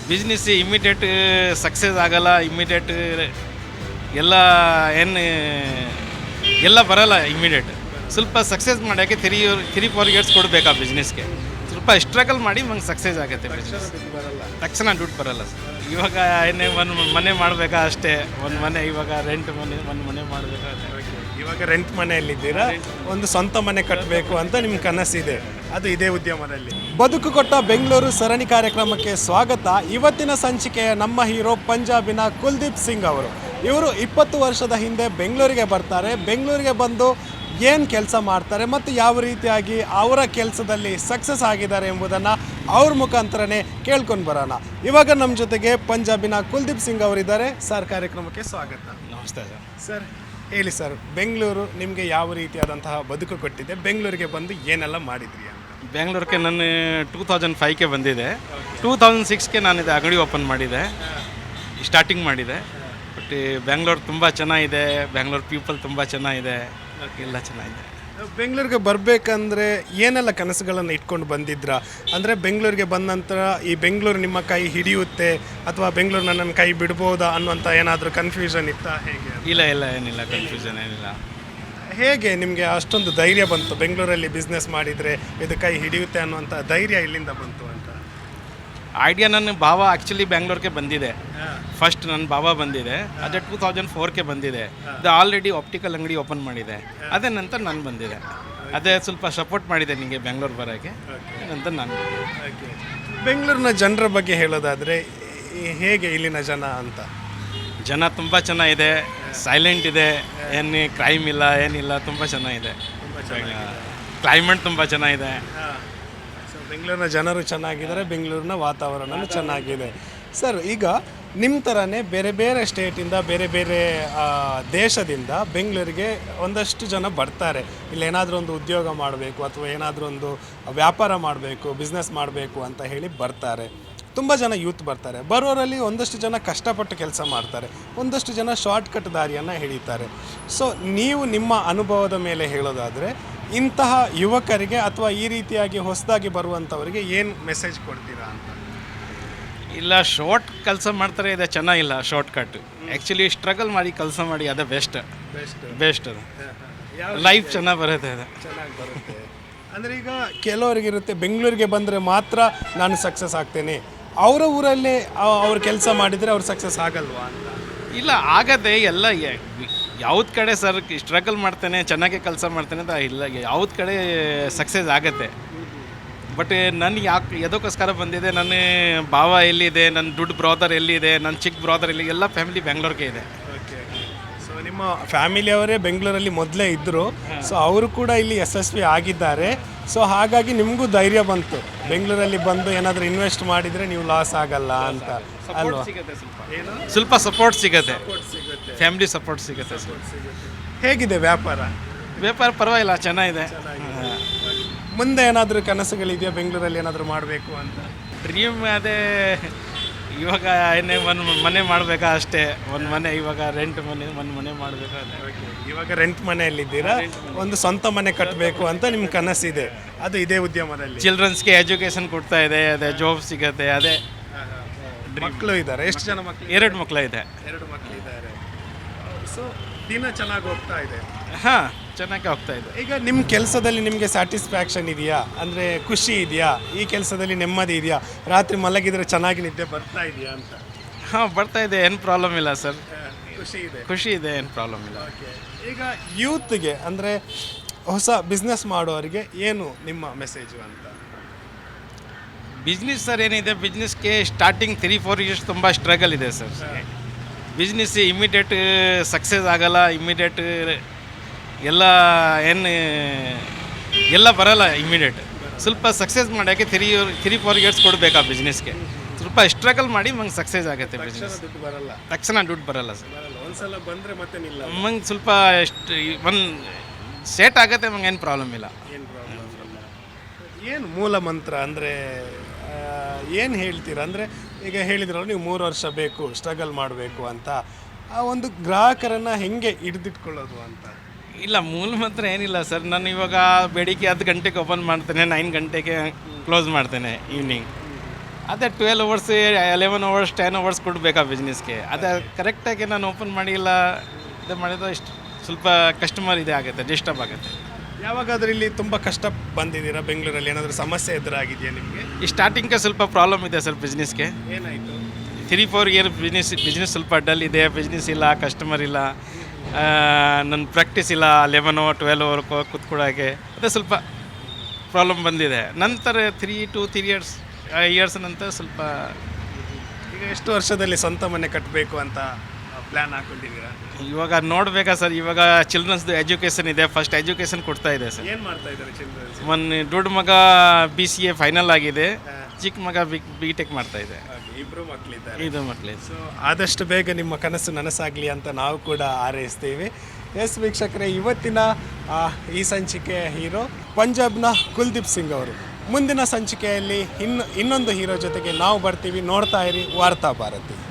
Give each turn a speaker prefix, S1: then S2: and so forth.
S1: Business immediate success ಆಗಲ್ಲ, immediate ಎಲ್ಲ ಏನು ಎಲ್ಲ ಬರಲ್ಲ ಇಮಿಡಿಯೇಟ್. ಸ್ವಲ್ಪ ಸಕ್ಸಸ್ ಮಾಡೋಕ್ಕೆ 3-4 ಇಯರ್ಸ್ ಕೊಡಬೇಕು ಆ ಬಿಸ್ನೆಸ್ಗೆ. ಸ್ವಲ್ಪ ಸ್ಟ್ರಗಲ್ ಮಾಡಿ ಮಂಗೆ ಸಕ್ಸಸ್ ಆಗುತ್ತೆ ಬಿಸ್ನೆಸ್. ತಕ್ಷಣ ದುಡ್ಡು ಬರಲ್ಲ ಸರ್. ಇವಾಗ ಏನೇ ಒಂದು ಮನೆ ಮಾಡಬೇಕಾ ಅಷ್ಟೇ, ಒಂದು ಮನೆ ಇವಾಗ ರೆಂಟ್ ಮನೆ, ಒಂದು ಮನೆ ಮಾಡಬೇಕಾ.
S2: ಇವಾಗ ರೆಂಟ್ ಮನೆಯಲ್ಲಿದ್ದೀರಾ, ಒಂದು ಸ್ವಂತ ಮನೆ ಕಟ್ಟಬೇಕು ಅಂತ ನಿಮ್ಮ ಕನಸಿದೆ, ಅದು ಇದೇ ಉದ್ಯಮದಲ್ಲಿ. ಬದುಕು ಕೊಟ್ಟ ಬೆಂಗಳೂರು ಸರಣಿ ಕಾರ್ಯಕ್ರಮಕ್ಕೆ ಸ್ವಾಗತ. ಇವತ್ತಿನ ಸಂಚಿಕೆಯ ನಮ್ಮ ಹೀರೋ ಪಂಜಾಬಿನ ಕುಲ್ದೀಪ್ ಸಿಂಗ್ ಅವರು. ಇವರು 20 ವರ್ಷದ ಹಿಂದೆ ಬೆಂಗಳೂರಿಗೆ ಬರ್ತಾರೆ. ಬೆಂಗಳೂರಿಗೆ ಬಂದು ಏನು ಕೆಲಸ ಮಾಡ್ತಾರೆ ಮತ್ತು ಯಾವ ರೀತಿಯಾಗಿ ಅವರ ಕೆಲಸದಲ್ಲಿ ಸಕ್ಸಸ್ ಆಗಿದ್ದಾರೆ ಎಂಬುದನ್ನು ಅವ್ರ ಮುಖಾಂತರನೇ ಕೇಳ್ಕೊಂಡು ಬರೋಣ. ಇವಾಗ ನಮ್ಮ ಜೊತೆಗೆ ಪಂಜಾಬಿನ ಕುಲ್ದೀಪ್ ಸಿಂಗ್ ಅವರಿದ್ದಾರೆ. ಸರ್, ಕಾರ್ಯಕ್ರಮಕ್ಕೆ ಸ್ವಾಗತ.
S1: ನಮಸ್ತೆ ಸರ್.
S2: ಸರ್, ಹೇಳಿ ಸರ್, ಬೆಂಗಳೂರು ನಿಮಗೆ ಯಾವ ರೀತಿಯಾದಂತಹ ಬದುಕು ಕೊಟ್ಟಿದೆ? ಬೆಂಗಳೂರಿಗೆ ಬಂದು ಏನೆಲ್ಲ ಮಾಡಿದ್ರಿ ಅಂತ?
S1: ಬೆಂಗಳೂರಿಗೆ ನಾನು 2005ಗೆ ಬಂದಿದೆ. 2006ಗೆ ನಾನು ಇದು ಅಂಗಡಿ ಓಪನ್ ಮಾಡಿದೆ, ಸ್ಟಾರ್ಟಿಂಗ್ ಮಾಡಿದೆ. ಬಟ್ ಬೆಂಗಳೂರು ತುಂಬ ಚೆನ್ನಾಗಿದೆ, ಬೆಂಗಳೂರು ಪೀಪಲ್ ತುಂಬ ಚೆನ್ನಾಗಿದೆ, ಎಲ್ಲ ಚೆನ್ನಾಗಿದೆ.
S2: ಬೆಂಗಳೂರಿಗೆ ಬರಬೇಕಂದ್ರೆ ಏನೆಲ್ಲ ಕನಸುಗಳನ್ನು ಇಟ್ಕೊಂಡು ಬಂದಿದ್ರಾ? ಅಂದರೆ ಬೆಂಗಳೂರಿಗೆ ಬಂದ ನಂತರ ಈ ಬೆಂಗಳೂರು ನಿಮ್ಮ ಕೈ ಹಿಡಿಯುತ್ತೆ ಅಥವಾ ಬೆಂಗಳೂರು ನನ್ನನ್ನು ಕೈ ಬಿಡ್ಬೋದಾ ಅನ್ನುವಂಥ ಏನಾದರೂ ಕನ್ಫ್ಯೂಷನ್ ಇತ್ತಾ, ಹೇಗೆ?
S1: ಇಲ್ಲ ಏನಿಲ್ಲ, ಕನ್ಫ್ಯೂಷನ್ ಏನಿಲ್ಲ.
S2: ಹೇಗೆ ನಿಮಗೆ ಅಷ್ಟೊಂದು ಧೈರ್ಯ ಬಂತು ಬೆಂಗಳೂರಲ್ಲಿ ಬಿಸ್ನೆಸ್ ಮಾಡಿದರೆ ಇದು ಕೈ ಹಿಡಿಯುತ್ತೆ ಅನ್ನುವಂಥ ಧೈರ್ಯ ಇಲ್ಲಿಂದ ಬಂತು ಅಂತ?
S1: ಐಡಿಯಾ ನನ್ನ ಭಾವ ಆ್ಯಕ್ಚುಲಿ ಬೆಂಗಳೂರಿಗೆ ಬಂದಿದೆ. ಫಸ್ಟ್ ನನ್ನ ಭಾವ ಬಂದಿದೆ, ಅದೇ 2004ಗೆ ಬಂದಿದೆ. ಅದು ಆಲ್ರೆಡಿ ಆಪ್ಟಿಕಲ್ ಅಂಗಡಿ ಓಪನ್ ಮಾಡಿದೆ. ಅದೇ ನಂತರ ನಾನು ಬಂದಿದೆ. ಅದೇ ಸ್ವಲ್ಪ ಸಪೋರ್ಟ್ ಮಾಡಿದೆ ನಿಮಗೆ ಬೆಂಗಳೂರು ಬರೋಕ್ಕೆ, ನಂತರ ನಾನು.
S2: ಬೆಂಗಳೂರಿನ ಜನರ ಬಗ್ಗೆ ಹೇಳೋದಾದರೆ ಹೇಗೆ ಇಲ್ಲಿನ ಜನ ಅಂತ?
S1: ಜನ ತುಂಬ ಚೆನ್ನಾಗಿದೆ, ಸೈಲೆಂಟ್ ಇದೆ, ಏನು ಕ್ರೈಮ್ ಇಲ್ಲ, ಏನಿಲ್ಲ, ತುಂಬ ಚೆನ್ನಾಗಿದೆ. ಕ್ಲೈಮೇಟ್ ತುಂಬ ಚೆನ್ನಾಗಿದೆ.
S2: ಬೆಂಗಳೂರಿನ ಜನರು ಚೆನ್ನಾಗಿದ್ದಾರೆ, ಬೆಂಗಳೂರಿನ ವಾತಾವರಣನೂ ಚೆನ್ನಾಗಿದೆ. ಸರ್, ಈಗ ನಿಮ್ಮ ಥರನೇ ಬೇರೆ ಬೇರೆ ಸ್ಟೇಟಿಂದ, ಬೇರೆ ಬೇರೆ ದೇಶದಿಂದ ಬೆಂಗಳೂರಿಗೆ ಒಂದಷ್ಟು ಜನ ಬರ್ತಾರೆ. ಇಲ್ಲಿ ಏನಾದರೂ ಒಂದು ಉದ್ಯೋಗ ಮಾಡಬೇಕು ಅಥವಾ ಏನಾದರೂ ಒಂದು ವ್ಯಾಪಾರ ಮಾಡಬೇಕು, ಬಿಸ್ನೆಸ್ ಮಾಡಬೇಕು ಅಂತ ಹೇಳಿ ಬರ್ತಾರೆ. ತುಂಬ ಜನ ಯೂತ್ ಬರ್ತಾರೆ. ಬರೋರಲ್ಲಿ ಒಂದಷ್ಟು ಜನ ಕಷ್ಟಪಟ್ಟು ಕೆಲಸ ಮಾಡ್ತಾರೆ, ಒಂದಷ್ಟು ಜನ ಶಾರ್ಟ್ಕಟ್ ದಾರಿಯನ್ನು ಹಿಡಿತಾರೆ. ಸೊ ನೀವು ನಿಮ್ಮ ಅನುಭವದ ಮೇಲೆ ಹೇಳೋದಾದರೆ ಇಂತಹ ಯುವಕರಿಗೆ ಅಥವಾ ಈ ರೀತಿಯಾಗಿ ಹೊಸದಾಗಿ ಬರುವಂಥವರಿಗೆ ಏನು ಮೆಸೇಜ್ ಕೊಡ್ತೀರಾ ಅಂತ?
S1: ಇಲ್ಲ, ಶಾರ್ಟ್ ಕೆಲಸ ಮಾಡ್ತಾರೆ, ಇದೆ ಚೆನ್ನಾಗಿಲ್ಲ ಶಾರ್ಟ್ ಕಟ್. ಆ್ಯಕ್ಚುಲಿ ಸ್ಟ್ರಗಲ್ ಮಾಡಿ ಕೆಲಸ ಮಾಡಿ, ಅದೇ ಬೆಸ್ಟ್ ಅದು. ಲೈಫ್ ಚೆನ್ನಾಗಿ ಬರುತ್ತೆ, ಅದು
S2: ಚೆನ್ನಾಗಿ ಬರುತ್ತೆ. ಅಂದರೆ ಈಗ ಕೆಲವರಿಗಿರುತ್ತೆ ಬೆಂಗಳೂರಿಗೆ ಬಂದರೆ ಮಾತ್ರ ನಾನು ಸಕ್ಸಸ್ ಆಗ್ತೇನೆ, ಅವರ ಊರಲ್ಲೇ ಅವ್ರು ಕೆಲಸ ಮಾಡಿದರೆ ಅವ್ರು ಸಕ್ಸಸ್ ಆಗಲ್ವಾ ಅಂತ?
S1: ಇಲ್ಲ, ಆಗದೆ. ಎಲ್ಲ ಯಾವ್ದು ಕಡೆ ಸರ್ ಸ್ಟ್ರಗಲ್ ಮಾಡ್ತೇನೆ, ಚೆನ್ನಾಗಿ ಕೆಲಸ ಮಾಡ್ತೇನೆ ಅಂತ ಇಲ್ಲ, ಯಾವ್ದು ಕಡೆ ಸಕ್ಸಸ್ ಆಗುತ್ತೆ. ಬಟ್ ನನಗೆ ಎದಕ್ಕೋಸ್ಕರ ಬಂದಿದೆ, ನನ್ನ ಭಾವ ಎಲ್ಲಿದೆ, ನನ್ನ ದುಡ್ಡು ಬ್ರದರ್ ಎಲ್ಲಿದೆ, ನನ್ನ ಚಿಕ್ಕ ಬ್ರದರ್ ಎಲ್ಲಿ, ಎಲ್ಲ ಫ್ಯಾಮಿಲಿ ಬೆಂಗಳೂರಿಗೆ ಇದೆ.
S2: ಸೊ ನಿಮ್ಮ ಫ್ಯಾಮಿಲಿಯವರೇ ಬೆಂಗಳೂರಲ್ಲಿ ಮೊದಲೇ ಇದ್ದರು, ಸೊ ಅವರು ಕೂಡ ಇಲ್ಲಿ ಯಶಸ್ವಿ ಆಗಿದ್ದಾರೆ. ಸೊ ಹಾಗಾಗಿ ನಿಮಗೂ ಧೈರ್ಯ ಬಂತು, ಬೆಂಗಳೂರಲ್ಲಿ ಬಂದು ಏನಾದರೂ ಇನ್ವೆಸ್ಟ್ ಮಾಡಿದರೆ ನೀವು ಲಾಸ್ ಆಗಲ್ಲ ಅಂತ ಅಲ್ವಾ?
S1: ಸ್ವಲ್ಪ ಸಪೋರ್ಟ್ ಸಿಗುತ್ತೆ, ಫ್ಯಾಮಿಲಿ ಸಪೋರ್ಟ್ ಸಿಗುತ್ತೆ.
S2: ಹೇಗಿದೆ ವ್ಯಾಪಾರ?
S1: ಪರವಾಗಿಲ್ಲ, ಚೆನ್ನಾಗಿದೆ.
S2: ಮುಂದೆ ಏನಾದರೂ ಕನಸುಗಳಿದೆಯಾ ಬೆಂಗಳೂರಲ್ಲಿ ಏನಾದರೂ ಮಾಡಬೇಕು ಅಂತ?
S1: ಡ್ರೀಮ್ ಅದೇ, ಇವಾಗ ಏನೇ ಒಂದು ಮನೆ ಮಾಡಬೇಕಾ ಅಷ್ಟೇ, ಒಂದು ಮನೆ ಇವಾಗ ರೆಂಟ್ ಮನೆ, ಒಂದು ಮನೆ ಮಾಡಬೇಕಾ.
S2: ಇವಾಗ ರೆಂಟ್ ಮನೆಯಲ್ಲಿದ್ದೀರಾ, ಒಂದು ಸ್ವಂತ ಮನೆ ಕಟ್ಟಬೇಕು ಅಂತ ನಿಮ್ಮ ಕನಸಿದೆ, ಅದು ಇದೇ ಉದ್ಯಮದಲ್ಲಿ.
S1: ಚಿಲ್ಡ್ರನ್ಸ್ಗೆ ಎಜುಕೇಷನ್ ಕೊಡ್ತಾ ಇದೆ, ಅದೇ ಜಾಬ್ ಸಿಗುತ್ತೆ. ಅದೇ
S2: ಮಕ್ಕಳು ಇದ್ದಾರೆ? ಎಷ್ಟು ಜನ ಮಕ್ಕಳು?
S1: 2 ಮಕ್ಕಳು ಇದೆ.
S2: 2 ಮಕ್ಕಳಿದ್ದಾರೆ. ಸೊ ದಿನ ಚೆನ್ನಾಗಿ ಹೋಗ್ತಾ ಇದೆ?
S1: ಹಾಂ, ಚೆನ್ನಾಗಿ ಹೋಗ್ತಾ ಇದೆ.
S2: ಈಗ ನಿಮ್ಮ ಕೆಲಸದಲ್ಲಿ ನಿಮಗೆ ಸ್ಯಾಟಿಸ್ಫ್ಯಾಕ್ಷನ್ ಇದೆಯಾ? ಅಂದರೆ ಖುಷಿ ಇದೆಯಾ? ಈ ಕೆಲಸದಲ್ಲಿ ನೆಮ್ಮದಿ ಇದೆಯಾ? ರಾತ್ರಿ ಮಲಗಿದರೆ ಚೆನ್ನಾಗಿ ನಿದ್ದೆ ಬರ್ತಾ ಇದೆಯಾ ಅಂತ?
S1: ಹಾಂ, ಬರ್ತಾ ಇದೆ, ಏನು ಪ್ರಾಬ್ಲಮ್ ಇಲ್ಲ ಸರ್. ಖುಷಿ ಇದೆ, ಏನು ಪ್ರಾಬ್ಲಮ್ ಇಲ್ಲ.
S2: ಈಗ ಯೂತ್ಗೆ ಅಂದರೆ ಹೊಸ ಬಿಸ್ನೆಸ್ ಮಾಡೋರಿಗೆ ಏನು ನಿಮ್ಮ ಮೆಸೇಜು ಅಂತ?
S1: ಬಿಸ್ನೆಸ್ ಸರ್ ಏನಿದೆ, ಬಿಸ್ನೆಸ್ಗೆ ಸ್ಟಾರ್ಟಿಂಗ್ 3-4 ಇಯರ್ಸ್ ತುಂಬ ಸ್ಟ್ರಗಲ್ ಇದೆ ಸರ್. ಬಿಸ್ನೆಸ್ ಇಮಿಡಿಯೇಟ್ ಸಕ್ಸಸ್ ಆಗಲ್ಲ, ಇಮಿಡಿಯೇಟ್ ಎಲ್ಲ ಏನು ಎಲ್ಲ ಬರಲ್ಲ ಇಮಿಡಿಯೇಟ್. ಸ್ವಲ್ಪ ಸಕ್ಸಸ್ ಮಾಡೋಕ್ಕೆ 3-4 ಇಯರ್ಸ್ ಕೊಡಬೇಕು ಆ ಬಿಸ್ನೆಸ್ಗೆ. ಸ್ವಲ್ಪ ಸ್ಟ್ರಗಲ್ ಮಾಡಿ ಮಂಗೆ ಸಕ್ಸಸ್ ಆಗುತ್ತೆ ಬಿಸ್ನೆಸ್. ತಕ್ಷಣ ದುಡ್ಡು ಬರಲ್ಲ ಸರ್.
S2: ಒಂದ್ಸಲ ಬಂದರೆ ಮತ್ತೆ ನಿಲ್ಲ.
S1: ಮಂಗೆ ಸ್ವಲ್ಪ ಒಂದು ಸೆಟ್ ಆಗುತ್ತೆ, ಮಂಗೆ ಏನು ಪ್ರಾಬ್ಲಮ್ ಇಲ್ಲ.
S2: ಏನು ಮೂಲ ಮಂತ್ರ ಅಂದರೆ ಏನು ಹೇಳ್ತೀರಾ? ಅಂದರೆ ಈಗ ಹೇಳಿದ್ರಲ್ಲ ನೀವು 3 ವರ್ಷ ಬೇಕು ಸ್ಟ್ರಗಲ್ ಮಾಡಬೇಕು ಅಂತ, ಆ ಒಂದು ಗ್ರಾಹಕರನ್ನು ಹೆಂಗೆ ಹಿಡಿದಿಟ್ಕೊಳ್ಳೋದು ಅಂತ?
S1: ಇಲ್ಲ, ಮೂಲ ಮಂತ್ರ ಏನಿಲ್ಲ ಸರ್. ನಾನು ಇವಾಗ ಬೆಳಿಗ್ಗೆ 10 ಗಂಟೆಗೆ ಓಪನ್ ಮಾಡ್ತೇನೆ, 9 ಗಂಟೆಗೆ ಕ್ಲೋಸ್ ಮಾಡ್ತೇನೆ ಈವ್ನಿಂಗ್. ಅದೇ 12 ಅವರ್ಸ್ 11 ಅವರ್ಸ್ 10 ಅವರ್ಸ್ ಕೊಡಬೇಕಾ ಬಿಸ್ನೆಸ್ಗೆ. ಅದೇ ಕರೆಕ್ಟಾಗಿ ನಾನು ಓಪನ್ ಮಾಡಿಲ್ಲ ಇದು ಮಾಡಿದ್ರೆ ಇಷ್ಟು ಸ್ವಲ್ಪ ಕಸ್ಟಮರ್ ಇದೆ ಆಗುತ್ತೆ, ಡಿಸ್ಟರ್ಬ್ ಆಗುತ್ತೆ.
S2: ಯಾವಾಗಾದ್ರೂ ಇಲ್ಲಿ ತುಂಬ ಕಷ್ಟ ಬಂದಿದ್ದೀರಾ ಬೆಂಗಳೂರಲ್ಲಿ? ಏನಾದರೂ ಸಮಸ್ಯೆ ಎದುರಾಗಿದೆಯಾ ನಿಮಗೆ?
S1: ಈ ಸ್ಟಾರ್ಟಿಂಗ್ಗೆ ಸ್ವಲ್ಪ ಪ್ರಾಬ್ಲಮ್ ಇದೆ ಸರ್ ಬಿಸ್ನೆಸ್ಗೆ.
S2: ಏನಾಯಿತು?
S1: 3-4 ಇಯರ್ ಬಿಸ್ನೆಸ್ ಸ್ವಲ್ಪ ಡಲ್ ಇದೆ, ಬಿಸ್ನೆಸ್ ಇಲ್ಲ, ಕಸ್ಟಮರ್ ಇಲ್ಲ, ನನ್ನ ಪ್ರಾಕ್ಟೀಸ್ ಇಲ್ಲ 11 12 ಅವರ್ ಕೂತ್ಕೊಳ್ಳೋಕ್ಕೆ. ಅದೇ ಸ್ವಲ್ಪ ಪ್ರಾಬ್ಲಮ್ ಬಂದಿದೆ. ನಂತರ 3 ಇಯರ್ಸ್ ನಂತರ ಸ್ವಲ್ಪ
S2: ಈಗ ಎಷ್ಟು ವರ್ಷದಲ್ಲಿ ಸ್ವಂತ ಮನೆ ಕಟ್ಟಬೇಕು ಅಂತ ಪ್ಲ್ಯಾನ್ ಹಾಕೊಂಡಿದ್ದೀರಾ?
S1: ಇವಾಗ ನೋಡಬೇಕಾ ಸರ್. ಇವಾಗ ಚಿಲ್ಡ್ರನ್ಸ್ದು ಎಜುಕೇಷನ್ ಇದೆ, ಫಸ್ಟ್ ಎಜುಕೇಷನ್ ಕೊಡ್ತಾ ಇದೆ ಸರ್.
S2: ಏನು ಮಾಡ್ತಾ ಇದ್ದಾರೆ ಚಿಲ್ಡ್ರನ್ಸ್?
S1: ಮೊನ್ನೆ ದೊಡ್ಡ ಮಗ BCA ಫೈನಲ್ ಆಗಿದೆ, ಚಿಕ್ಕ ಮಗ B.Tech ಮಾಡ್ತಾ ಇದೆ.
S2: ಇಬ್ಬರು ಮಕ್ಕಳಿದ್ದಾರೆ.
S1: ಇದು ಮಕ್ಕಳಿದೆ.
S2: ಸೊ ಆದಷ್ಟು ಬೇಗ ನಿಮ್ಮ ಕನಸು ನನಸಾಗಲಿ ಅಂತ ನಾವು ಕೂಡ ಹಾರೈಸ್ತೀವಿ. ಎಸ್ ವೀಕ್ಷಕರೇ, ಇವತ್ತಿನ ಈ ಸಂಚಿಕೆಯ ಹೀರೋ ಪಂಜಾಬ್ನ ಕುಲ್ದೀಪ್ ಸಿಂಗ್ ಅವರು. ಮುಂದಿನ ಸಂಚಿಕೆಯಲ್ಲಿ ಇನ್ನೊಂದು ಹೀರೋ ಜೊತೆಗೆ ನಾವು ಬರ್ತೀವಿ. ನೋಡ್ತಾ ಇರಿ ವಾರ್ತಾ ಭಾರತಿ.